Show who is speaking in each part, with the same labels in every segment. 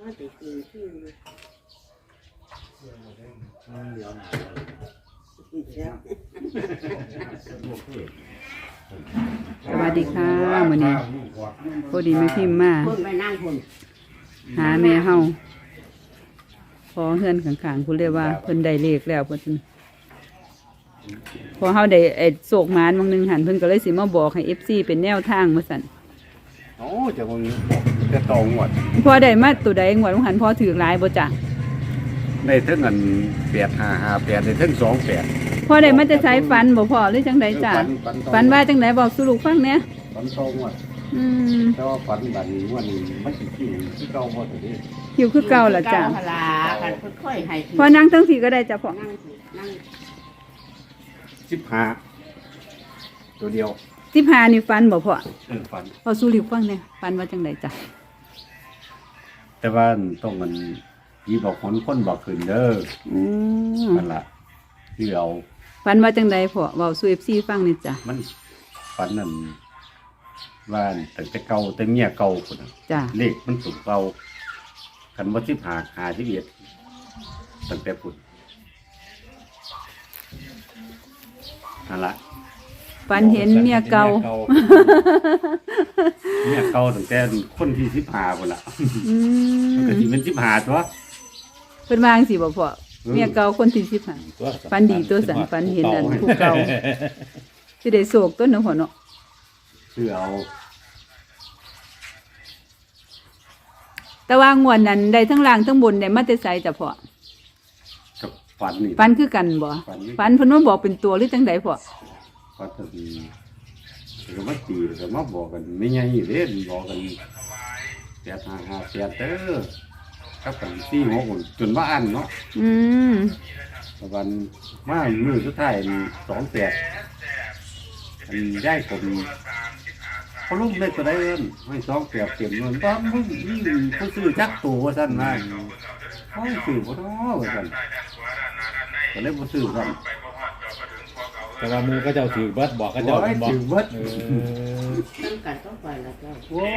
Speaker 1: มันติดกินที่
Speaker 2: เดี๋ยวหนา
Speaker 3: สวัสดีค่ะมื้อนี้พอดีแม่พิมพ์มา
Speaker 1: คนไปนั่งคน
Speaker 3: หาแม่เฮาพอเฮือนข้างๆเพิ่นเรียกว่าเพิ่นได้เลขแล้วเพิ่นพอเฮาได้โศกหมานบางนึงหันเพิ่นก็เลยสิมาบอกให้ FC เป็นแนวทางว่าซั่น
Speaker 2: โอ้จะมึงจะตองหมด
Speaker 3: พอได้มาตัวใดงวดหันพอถือหลายบ่จ้ะ
Speaker 2: ในเท่าเงิน855ในเท่า28
Speaker 3: พอได้มาจะใช้ฟันบ่พอหรือจังไดจ้ะฟันว่าจังไดบอกสู่ลูกฟังแหน่
Speaker 2: ฝันตองหมด
Speaker 3: อืม
Speaker 2: แต่ว่าฝันแบบนี้วันนี้มันสิคิวที่เก่าบ่ตัวนี้
Speaker 3: คิวคือเก่าล่ะจ้ะ
Speaker 1: พลากันค่อยๆให้
Speaker 3: พอนั่งทั้งทีก็ได้จ้ะพ่อ
Speaker 1: นั่ง
Speaker 2: 15ตัวเดียว
Speaker 3: 15นี่ฟันบ่พ่อ
Speaker 2: ฝัน
Speaker 3: พอสู่ลูกฟังแหน่ฟันว่าจังไดจ้ะ
Speaker 2: แต่ว่าต้องมันผีบอกคนบอกขึ้นเด้อ
Speaker 3: อืม
Speaker 2: นั่นล่ะที่เรา
Speaker 3: ฟันว่าจังไดพ่อเว้าสู่ FC ฟังนี่จ้ะ
Speaker 2: มันฝันนั่นว่าตั้งแต่เก่าแต่เมียเก่าพุ่นน่ะ
Speaker 3: จ้ะ
Speaker 2: เลขมันสูงเก่าคันว่า15 ตั้งแต่พุ่นนั่นล่ะ
Speaker 3: ฟันเห็นเมียเก่า
Speaker 2: เมียเก่าตั้งแต่คนที่15พุ่นล่ะ
Speaker 3: อื
Speaker 2: มันก็
Speaker 3: ม
Speaker 2: สิเป็น15ตัว
Speaker 3: เพิ่นว่าจังซี่บ่พ่อเมียเก่าคนที่15ฟันดีตัวสันฟันเห็นอันผู้เก่าสิได้โศกต้นเนาะพ่อเนาะ
Speaker 2: คือเอา
Speaker 3: แต่ว่างวดนั้นได้ทั้งล่างทั้งบนได้มาแต่ไสจ้ะพ่อ
Speaker 2: กับฝันนี่
Speaker 3: ฟันคือกันบ่ฟันเพิ่นมาบอกเป็นตัวหรือจังไดพ่อ
Speaker 2: ฝันก็ดีก็มาตีก็มาบอกกันไม่ใหญ่เด้บอกกัน8558เด้อครับกัน46จนว่าอันเนาะ
Speaker 3: อืม
Speaker 2: ตะวันมามือสุดท้าย28อันได้ผมเขาลุ่มเล็กก็ได้เอิ้นให้28เต็มเงินบ้านมึงนี่ผู้ซื้อจักตัวว่าซั่นว่าโอ้ยซื้อบ่ท้อว่าซั่นก็เลยบ่ซื้อซั่น
Speaker 4: แต่ว่ามือก็เจ้าถือเบิดบอกก็เจ้า
Speaker 2: โอ้ย
Speaker 4: บอก
Speaker 2: ถือเบิด
Speaker 1: นั่งกันต้องไปแล้วเจ้า
Speaker 2: โอ้ย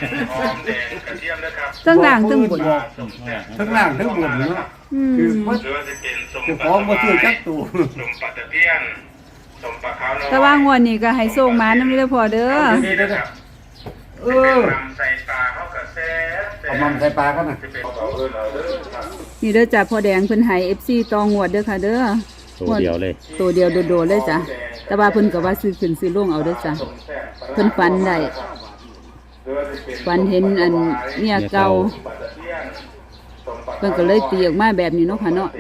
Speaker 3: ทั้งล่างทั้งบน
Speaker 2: บอกทั้งล่างทั้งบนเนาะ
Speaker 3: อืม
Speaker 2: คือเบิด
Speaker 5: หรือว่าจะเป็นสม
Speaker 2: เจ้าของบ่ซื้อจักตัว
Speaker 5: สมปัตตะเพียนสมปะขาวน้อย
Speaker 3: แต่ว่างวดนี้ก็ให้โศกหมานำเด้อพ่อเด้อ
Speaker 2: เออ
Speaker 5: นำใส่ปลาเข้ากระแส
Speaker 2: เอามันใส่ปลากันน่ะ
Speaker 5: จะเป็นเขาเอิ้นเอาเด้อ
Speaker 3: นี่เด้อจ้ะพ่อแดงเพิ่นให้ FC ตองวดเด้อค่ะเด้อ
Speaker 4: ตัวเดียวเลย
Speaker 3: ตัวเดียวโดดๆเลยจ้ะแต่ว่าเพิ่นก็ว่าซื้อขึ้นซื้อลงเอาเด้อจ้ะเพิ่นฝันได้ฝันเห็นอันเมียเก่าเพิ่นก็เลยตีออกมาแบบนี้เนาะค่ะเนาะ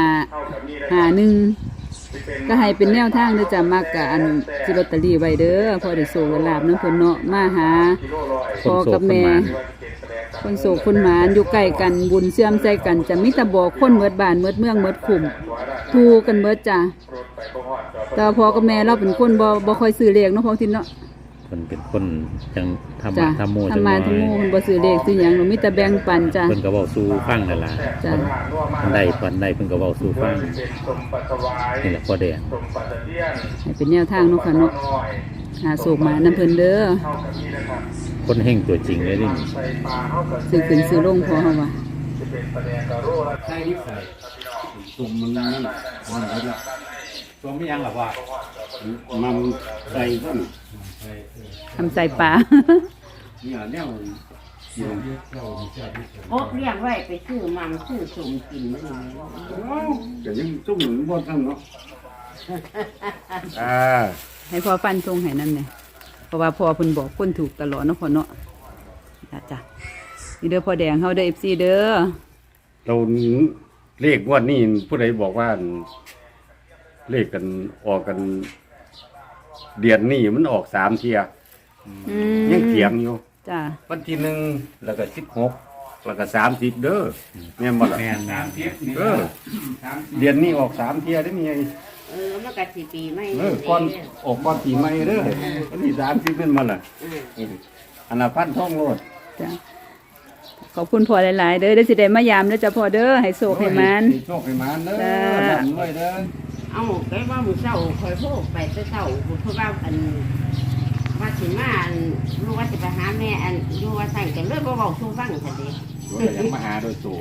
Speaker 3: 1551ก็ให้เป็นแนวทางเด้อจ้ะมักกะอันสิลอตเตอรี่ไว้เด้อพอได้โชคลาภนำเพิ่นเนาะมาหาพ่อกับแม่คนโศกคนหมานอยู่ใกล้กันบุญเชื่อมใจกันจะมีแต่บอกคนเมิดบ้านเมิดเมืองเมิดขุมถูกกันเมิดจ้ะแต่พ่อกับแม่เราเป็นคนบ่ค่อยซื้อเลขเนาะพ่อทินเนาะ
Speaker 4: คนเป็นคนจังทำ
Speaker 3: จ้ะ
Speaker 4: มาทำโมจัง
Speaker 3: ทำ
Speaker 4: น้
Speaker 3: มา
Speaker 4: อย
Speaker 3: ทำโมเพิ่นบ่ซื้อเลขซื้อหยังเรามีแต่แบ่งปันจ้ะ
Speaker 4: เพิ่นก็เว้าสู่ฟังนั่นล่ะ
Speaker 3: จ้ะ
Speaker 4: คนใดฝันใดเพิ่นก็เว้าสู่ฟัง
Speaker 5: สมปัตตะวาย
Speaker 4: นี่แหละพ่อแดง
Speaker 5: สมปัตตะเพียน
Speaker 3: ให้เป็นแนวทางเนาะค่ะเนาะหาโศกมานำเพิ่นเด้อ
Speaker 5: เข้ากับนี้นะครับ
Speaker 4: คนเฮงตัวจริงเลยนี่
Speaker 5: ใส่ปลาเข้ากระแส
Speaker 3: ซื้อขึ้นซื้อลงพอเฮาว่า
Speaker 5: จะเป็นปลาแดงกระโรและ
Speaker 2: ใส่นิสัยตุ่มมันนั่นมันเบิดละ
Speaker 4: ตัวไม่ยังหรอว่า
Speaker 2: มันใส่ก็น่ะ
Speaker 3: ทำใส่ปลา
Speaker 2: เนี่ยแนวอยู่
Speaker 1: กบเลี้ยงไว้ไปซื้อมังซื้อสมกินมันนี่
Speaker 2: ก็ยังจุ่มบ่ทันเนาะ
Speaker 3: ให้พ่อฟันทรงให้นั่นแหละเพราะว่าพ่อเพิ่นบอกคนถูกตลอดเนาะพ่อเนาะจ้ะนี่เด้อพ่อแดงเฮาเด้อ FC เด้อ
Speaker 2: เราเลขงวดนี้ผู้ใดบอกว่าเลขกันออกกัน เดือนนี้มันออก3เที่ย
Speaker 3: อืม
Speaker 2: ยังเถียงอยู่
Speaker 3: จ้ะ
Speaker 2: วันที่1แล้วก็16แล้วก็30เด้อแม่นบ่ล่ะ
Speaker 4: แม่นนะ
Speaker 2: เออเดือนนี้ออก3เที่ยได้มีไง
Speaker 1: มันก็สิปีไม่
Speaker 2: ก่อนออกก่อนปีใหม่เด้อวันที่30เป็นบ่ล่ะอันน่ะพันท่องโลด
Speaker 3: จ้ะขอบคุณพ่อหลายๆเด้อได้สิได้มายามเด้อจ้ะพ่อเด้อให้โชคให้มัน
Speaker 2: โชคให้มันเด้อ
Speaker 3: จ้า
Speaker 2: ร่ำรวยเด้อ
Speaker 1: เอาไปว่ามื้อเช้าคอยโทรไปแต่เช้าเพราะว่าอันว่าสิมาอันรู้ว่าสิไปหาแม่อันอยู่ว่าสั่งกันเลยบ่เว้าสู่ฟังซั่นเด้
Speaker 4: ตัวแต่ยังมาหาโดยตัว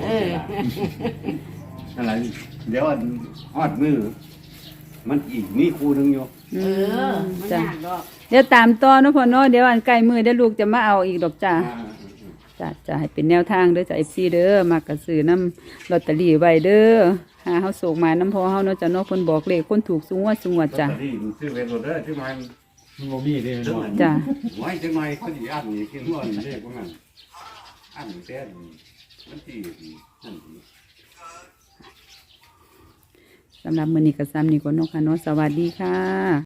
Speaker 2: นั่นแหละเดี๋ยวอันฮอดมือมันอีกมีคู่หนึงอยู่
Speaker 1: เออมัน
Speaker 3: จ้ะ
Speaker 1: ยากดอก
Speaker 3: เดี๋ยวตามต่อเนาะพ่อเนาะเดี๋ยวอันใกล้มือเดี๋ยวลูกจะมาเอาอีกดอกจ้าจ้าจะให้เป็นแนวทางเด้อจ้า FC เด้อมากระซื้อน้ำลอตเตอรี่ไว้เด้อหาเฮาโศกมาน้ำพอเฮาเนาะจ้ะเนาะคนบอกเลขคนถูกสูงว่าสูงว่าจ้ะ
Speaker 2: ลอตเตอรี่มันซื้อไว้โดดเด้อที่มัน
Speaker 4: มันบ่มีเลยมันบอก
Speaker 3: จ้ะ
Speaker 2: ไว้จังหน่อยเขาสิอันนี่คิดว่านี่เด้พวกนั้นอันแต่มันที่นั่น
Speaker 3: สำหรับมื้อนี้ก็ซ้ำนี้ก่อนเนาะค่ะเนาะสวัสดีค่ะ